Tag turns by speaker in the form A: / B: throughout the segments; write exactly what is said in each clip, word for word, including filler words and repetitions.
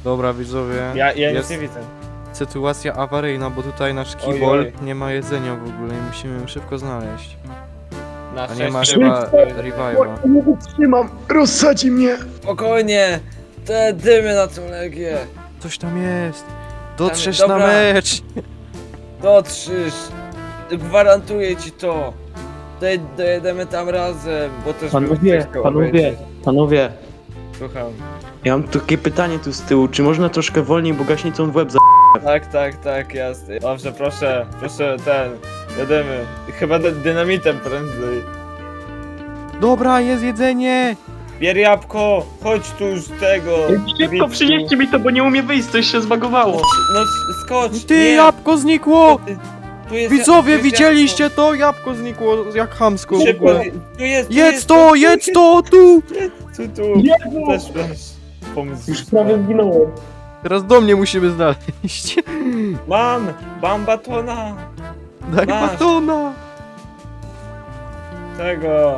A: Dobra, widzowie.
B: Ja, ja nic
A: jest
B: nie widzę.
A: sytuacja awaryjna, bo tutaj nasz
B: Oj,
A: kibol
B: oj.
A: nie ma jedzenia w ogóle i musimy ją szybko znaleźć.
B: Na
A: A nie ma
B: szczęście-
A: chyba revive'a.
C: Nie wytrzymam, rozsadzi mnie.
B: Spokojnie! Te dymy na tą legię!
A: Coś tam jest. Dotrzesz
B: Dobra.
A: na mecz.
B: Dotrzysz! Gwarantuję ci to! Doj- Dojedziemy tam razem, bo też bym
C: Panowie,
B: chciał
C: panowie,
B: obejrzeć.
C: panowie.
B: Słucham.
C: Ja mam takie pytanie tu z tyłu, czy można troszkę wolniej, bo gaśnicą w łeb za...
B: Tak, tak, tak, jasne. Dobrze, proszę, proszę, ten, jedziemy. Chyba dy- dynamitem prędzej.
A: Dobra, jest jedzenie.
B: Bier jabłko, chodź tu już tego.
C: Szybko
B: Wicku.
C: przynieście mi to, bo nie umie wyjść, coś się zbagowało.
B: No skocz,
A: Ty,
B: nie.
A: jabłko znikło.
B: Tu jest,
A: Widzowie,
B: tu jest
A: widzieliście to? Jabłko znikło jak chamsko w
B: Szybko,
A: ogóle.
B: tu jest, tu
A: Jedz
B: jest,
A: to,
B: tu
A: jedz
B: jest,
A: to, tu.
B: Tu, tu,
C: Jezu!
B: też masz pomysł.
C: Już prawie zginąłem.
A: Teraz do mnie musimy znaleźć.
B: Mam, mam batona,
A: Daj
B: Masz.
A: batona.
B: tego.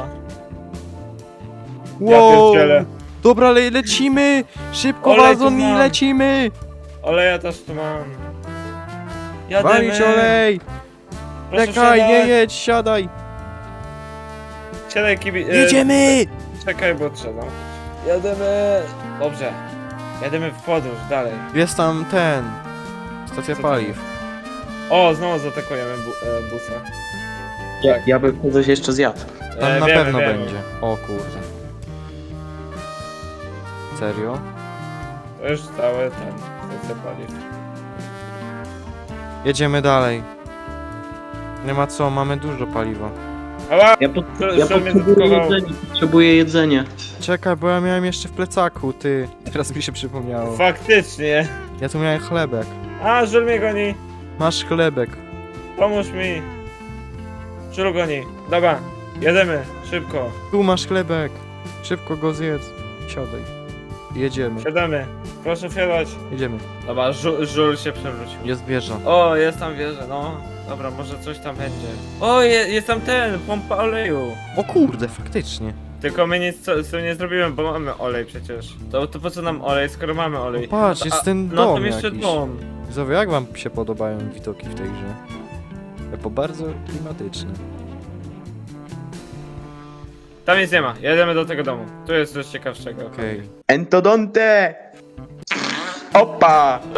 B: Ja
A: Wow.
B: pierdzielę.
A: Dobra, le lecimy. Szybko,
B: Olej tu
A: wazon i
B: mam.
A: lecimy.
B: Oleja też tu mam.
A: Walić
B: Jademy.
A: olej.
B: Proszę
A: Czekaj, nie
B: wsiadać.
A: jedź, siadaj.
B: Siadaj kibi... e,
A: Jedziemy.
B: Czekaj, bo trzeba. Jademy. Dobrze. Jademy w podróż, dalej.
A: Jest tam ten. Stacja
B: Co tam
A: paliw.
B: jest? O, znowu zaatakujemy bu e, busa.
C: Ja, ja bym coś jeszcze zjadł.
A: Tam
B: E,
A: na
B: wiemy,
A: pewno
B: wiemy.
A: będzie. O kurde. Serio?
B: To już całe ten, stacja paliw.
A: Jedziemy dalej. Nie ma co, mamy dużo paliwa.
B: Ała!
C: Ja, pot,
B: Szul-
C: ja
B: Szul mnie
C: potrzebuję
B: zaatakował.
C: jedzenie, potrzebuję jedzenie.
A: Czekaj, bo ja miałem jeszcze w plecaku, ty. Teraz mi się przypomniało.
B: Faktycznie.
A: Ja tu miałem chlebek.
B: A, żul mnie goni.
A: Masz chlebek.
B: Pomóż mi. Żul goni. Dobra, jedziemy, szybko.
A: Tu masz chlebek. Szybko go zjedz. Siadaj. Jedziemy.
B: Siadamy. Proszę wsiadać.
A: Jedziemy.
B: Dobra, żul, żul się przewrócił.
A: Jest wieża.
B: O, jest tam wieża, no. Dobra, może coś tam będzie. O, je, jest tam ten, pompa oleju.
A: O kurde, faktycznie.
B: Tylko my nic co- z tym nie zrobimy, bo mamy olej przecież. To, to po co nam olej, skoro mamy olej?
A: No patrz,
B: A-
A: jest ten
B: No
A: dom
B: tam jeszcze
A: jakiś.
B: dom.
A: Widzowie, jak wam się podobają widoki w tej grze? Bo bardzo klimatyczne.
B: Tam nic nie ma, jedziemy do tego domu. Tu jest coś ciekawszego.
A: Okej.
C: Entodonte! Opa!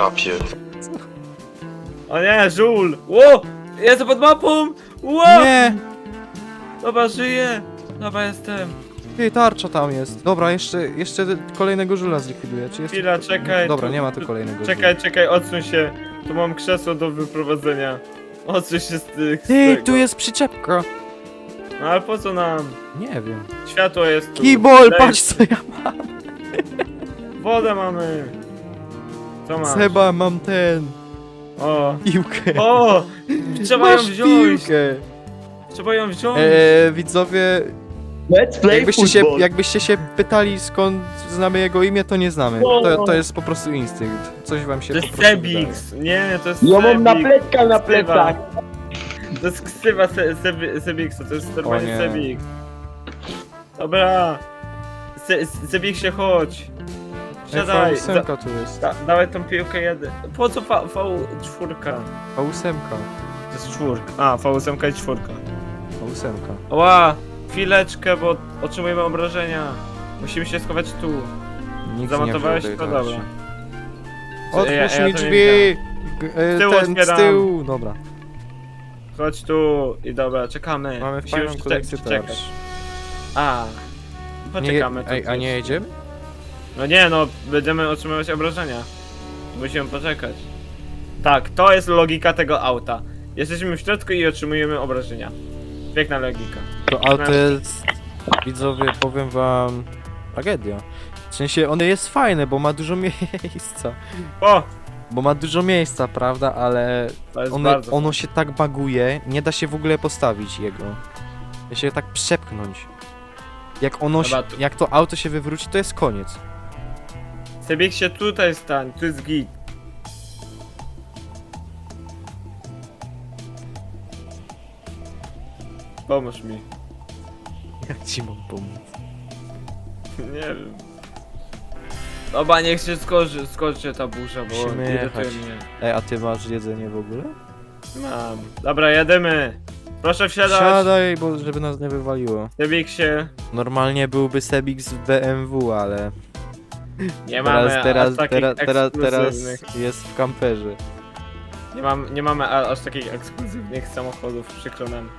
B: O nie, żul! Ło! Jestem pod mapą! Ło!
A: Nie!
B: Dobra, żyję! Dobra, jestem.
A: Ty, tarcza tam jest. Dobra, jeszcze, jeszcze kolejnego żula zlikwiduję. Czy jest...
B: Chwila, czekaj.
A: Dobra,
B: tu-
A: nie ma tu
B: tu-
A: kolejnego
B: Czekaj, czekaj, odsuń się. Tu mam krzesło do wyprowadzenia. Odsuń się z tych. z
A: Ty,
B: tego.
A: tu jest przyczepka.
B: No ale po co nam?
A: Nie wiem.
B: Światło jest tu.
A: Kibol,
B: Lej-
A: patrz co ja mam.
B: Wodę mamy. Co masz?
A: Seba, mam ten.
B: O!
A: Piłkę.
B: O! Trzeba ją
A: Masz
B: wziąć!
A: piłkę.
B: Trzeba ją wziąć!
A: Eee, widzowie,
C: Let's play
A: jakbyście się,
C: football.
A: jakbyście się pytali skąd znamy jego imię, to nie znamy. To, to jest po prostu instynkt. Coś wam się
B: To
A: po
B: jest
A: prostu
B: Sebix! Nie, to jest
C: Ja mam na
B: Sebix.
C: plecka na plecach.
B: To jest ksywa se, Sebi- Sebixa, to jest normalnie
A: nie.
B: Sebix. Dobra! Se, Sebixie, chodź!
A: wydaje.
B: Siadaj!
A: Ej,
B: Za,
A: V ósm tu jest.
B: da, dawaj tą piłkę jeden. Po co V cztery?
A: V osiem.
B: To jest czwórka. A, V osiem i czwórka.
A: V osiem.
B: Ła! Chwileczkę, bo otrzymujemy obrażenia. Musimy się schować tu.
A: Nikt
B: Zamontowałeś
A: nie wziął
B: to?
A: tej
B: Dobra.
A: tarczy.
B: Ja-
A: Otwórz
B: ja
A: mi
B: to nie
A: drzwi! G- e,
B: Z tyłu
A: ten, z
B: otwieram.
A: tyłu! Dobra,
B: Chodź tu i dobra, czekamy.
A: mamy
B: Musimy
A: fajną
B: już
A: kolekcję
B: czekać.
A: tarcz.
B: A.
A: Nie,
B: Poczekamy tu
A: ej, a
B: coś.
A: nie jedziemy?
B: No nie, no będziemy otrzymywać obrażenia. Musimy poczekać. Tak, to jest logika tego auta. Jesteśmy w środku i otrzymujemy obrażenia. Piękna logika.
A: To auto jest, widzowie, powiem wam, tragedia. W sensie, ono jest fajne, bo ma dużo miejsca.
B: O!
A: Bo ma dużo miejsca, prawda, ale
B: To jest
A: ono,
B: bardzo.
A: ono się tak baguje, nie da się w ogóle postawić jego. Da się tak przepchnąć. Jak ono się,
B: Dobra, tu-
A: jak to auto się wywróci, to jest koniec.
B: Sebiek się tutaj stań, tu jest git. Pomóż mi.
A: Jak ci mam pomóc?
B: Nie wiem. Dobra, niech się skoczy, skoczy ta burza, bo
A: Musimy
B: irytuje
A: jechać.
B: mnie.
A: Ej, a ty masz jedzenie w ogóle?
B: Mam. Dobra, jedziemy. Proszę wsiadać.
A: Siadaj, bo żeby nas nie wywaliło.
B: Sebiksie.
A: Normalnie byłby Sebix w B M W, ale
B: Nie mamy
A: teraz, teraz,
B: aż takich
A: teraz, teraz, teraz
B: ekskluzywnych.
A: jest w kamperze.
B: Nie, mam, nie mamy a, aż takich ekskluzywnych samochodów, przykro nam.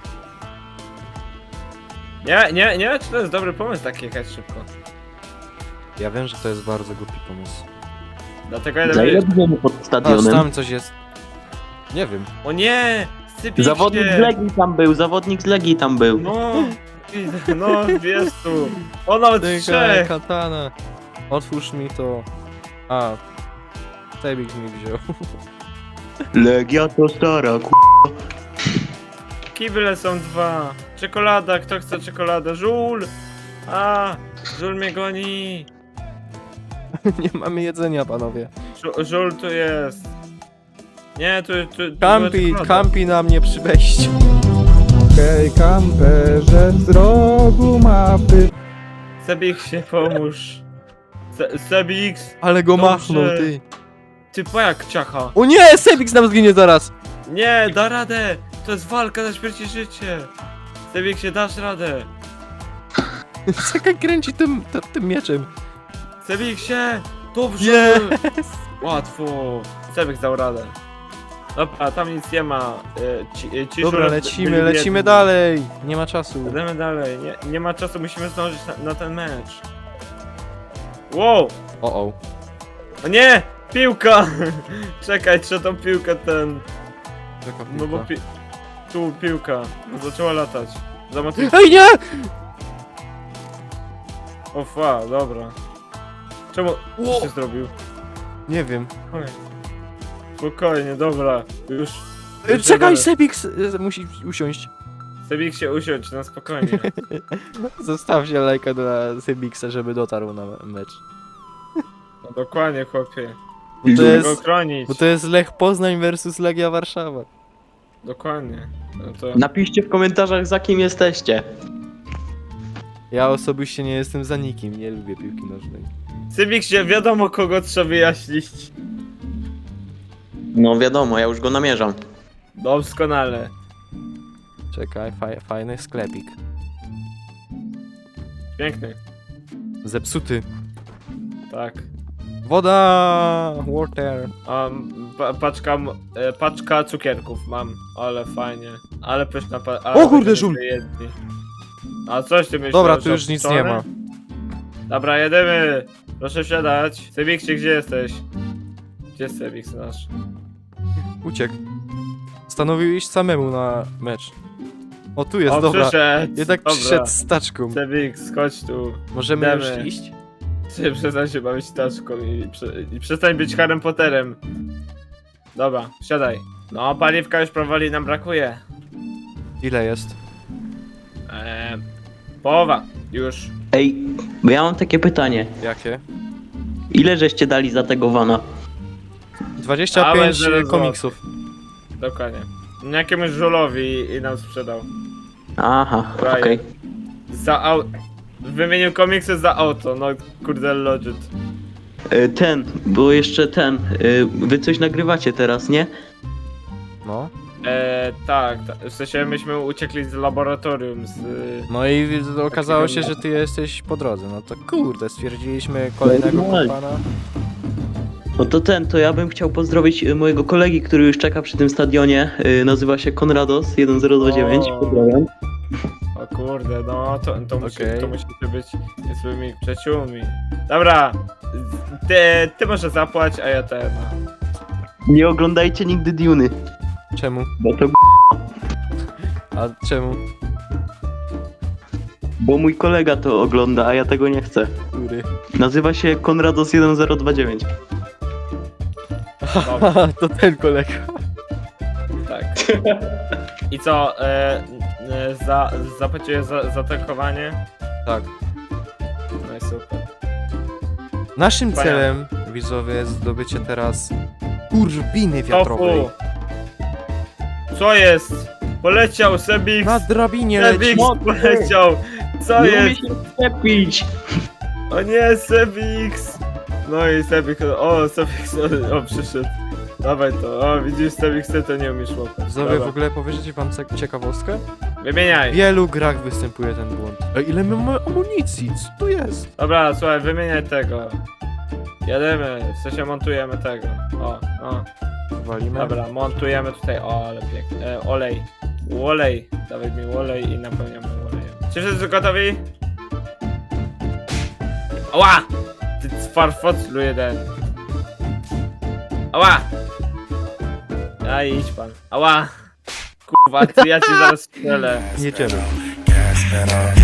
B: Nie, nie, nie wiem, czy to jest dobry pomysł tak jechać szybko.
A: Ja wiem, że to jest bardzo głupi pomysł.
B: Dlatego jeden
C: Za ile
B: jest...
C: będziemy pod
A: Aż
C: stadionem?
A: tam coś jest. Nie wiem.
B: O nie! Sypiksie!
C: Zawodnik z Legii tam był, zawodnik z Legii tam był.
B: No, widzę, no, jest tu. O, nawet
A: Czekaj,
B: trzech!
A: katana. Otwórz mi to. A. Sebix mi wziął.
C: Legia to stara, ku...
B: Kible są dwa. Czekolada, kto chce czekoladę? Żul! A, żul mnie goni.
A: Nie mamy jedzenia, panowie.
B: Żu- Żul tu jest. Nie, tu, tu, tu była
A: Kampi,
B: czekolada.
A: kampi na mnie przy wejściu.
D: Hej kamperze z rogu mapy.
B: Sebik się pomóż. Se Sebix!
A: Ale go
B: Dobrze.
A: machnął, ty.
B: Ty jak ciacha.
A: O nie, Sebix nam zginie zaraz.
B: Nie, da radę! To jest walka na śmierć i życie! Sebik się dasz radę!
A: Czekaj, kręci tym, tym, tym mieczem.
B: Sebik się! Dobrze!
A: Jest.
B: Łatwo! Sebik dał radę. Dobra, tam nic nie ma. E, Ci, e, ci
A: Dobra,
B: żule
A: lecimy,
B: byli
A: lecimy
B: biedni.
A: dalej. Nie ma czasu.
B: Jedziemy dalej. Nie, nie ma czasu, musimy zdążyć na, na ten mecz. Wow!
A: O, o.
B: O nie! Piłka! Czekaj, trzeba tą piłkę ten...
A: Jaka
B: No bo
A: piłka?
B: pi... Tu piłka. Zaczęła latać. Zamotyw...
A: Ej, nie!
B: O fa, dobra. Czemu... Co się zrobił?
A: Nie wiem.
B: Oj. Spokojnie, dobra. Już...
A: Ej,
B: już
A: Czekaj,
B: jadę.
A: Sebix e, musi usiąść.
B: Sebik się usiądź, na spokojnie.
A: Zostawcie lajka dla Sebixa, żeby dotarł na mecz.
B: No dokładnie, chłopie.
A: Bo to
B: Musimy
A: jest,
B: go chronić.
A: bo to jest Lech Poznań versus Legia Warszawa.
B: Dokładnie. No to...
C: Napiszcie w komentarzach, za kim jesteście.
A: Ja osobiście nie jestem za nikim, nie lubię piłki nożnej.
B: Sebik się wiadomo kogo trzeba wyjaśnić.
C: No wiadomo, ja już go namierzam.
B: Doskonale.
A: Czekaj, faj, fajny sklepik.
B: Piękny.
A: Zepsuty.
B: Tak.
A: Woda! Water.
B: Um, pa paczka, m- e, paczka cukierków mam, ale fajnie. Ale pyszna pa... ale
A: O kurde,
B: będziemy
A: żul!
B: jedni. A coś ty myślisz?
A: Dobra, tu
B: że
A: już nic nie
B: wczoraj?
A: ma.
B: Dobra, jedziemy. Proszę wsiadać. Sebiksie, gdzie jesteś? Gdzie jest Sebik nasz?
A: Uciekł. Stanowił iść samemu na mecz. O, tu jest,
B: O,
A: dobra.
B: przyszedł.
A: Jednak
B: Dobra.
A: przyszedł z taczką.
B: Sebik, chodź tu.
A: Możemy
B: Idziemy.
A: już iść?
B: Ty przestań się bawić taczką i, prze, i przestań być Harrym Potterem. Dobra, wsiadaj. No, paliwka już powoli nam brakuje.
A: Ile jest?
B: Eee, połowa. Już.
C: Ej, bo ja mam takie pytanie.
A: Jakie?
C: Ile żeście dali za tego vana?
A: dwadzieścia
B: Ale
A: pięć
B: zero
A: komiksów.
B: Dokładnie. Jakiemuś żulowi i, i nam sprzedał.
C: Aha,
B: Ryan.
C: okej.
B: Za au... Wymienił komiksy za auto, no kurde legit.
C: Y, Ten, bo jeszcze ten, y, wy coś nagrywacie teraz, nie?
A: No.
B: Eee, tak, ta, w sensie myśmy uciekli z laboratorium z...
A: No i okazało się, że ty jesteś po drodze. No to kurde, stwierdziliśmy kolejnego
C: Normalnie.
A: kompana.
C: No to ten, to ja bym chciał pozdrowić y, mojego kolegi, który już czeka przy tym stadionie. Y, nazywa się Konrados jeden zero dwa dziewięć.
B: O.
C: Pozdrawiam.
B: O kurde, no to, to, musi,
A: Okej.
B: to musicie być swoimi przyjaciółmi. Dobra, ty, ty może zapłać, a ja ten...
C: Nie oglądajcie nigdy Duny,
A: Czemu?
C: bo to
A: A czemu?
C: bo mój kolega to ogląda, a ja tego nie chcę.
A: Który?
C: Nazywa się Konrados jeden zero dwa dziewięć.
B: Dobra,
A: To ten kolega.
B: tak. I co, e, e, za, zapłaciłeś za, za tankowanie?
A: Tak.
B: No i super.
A: Naszym
B: Wspaniale.
A: celem, widzowie, jest zdobycie teraz turbiny wiatrowej.
B: Tofu! Co jest? Poleciał Sebix!
A: Na drabinie leci.
B: Sebix poleciał! Co
C: Nie umie
B: jest?
C: się szczepić!
B: O nie, Sebix! No i Sebik, o Sebik, o przyszedł. Dawaj to, o widzisz Sebik, ty to nie umiesz łapać.
A: Widzowie,
B: Dobra.
A: w ogóle powiecie wam cie- ciekawostkę?
B: Wymieniaj.
A: W wielu grach występuje ten błąd. Ej, ile my mamy amunicji? Co tu jest?
B: Dobra, słuchaj, wymieniaj tego. Jedziemy, w sensie montujemy tego. O, o.
A: Walimy.
B: Dobra, montujemy tutaj, o ale pięknie. E, olej. Olej. Dawaj mi olej i napełniamy olejem. Czy wszyscy gotowi? Ała! Ty farfoclu jeden. Ała! A idź pan. Ała! Kurwa, ty ja ci zaraz strzelę.
A: Jedziemy.
E: Gas pedal,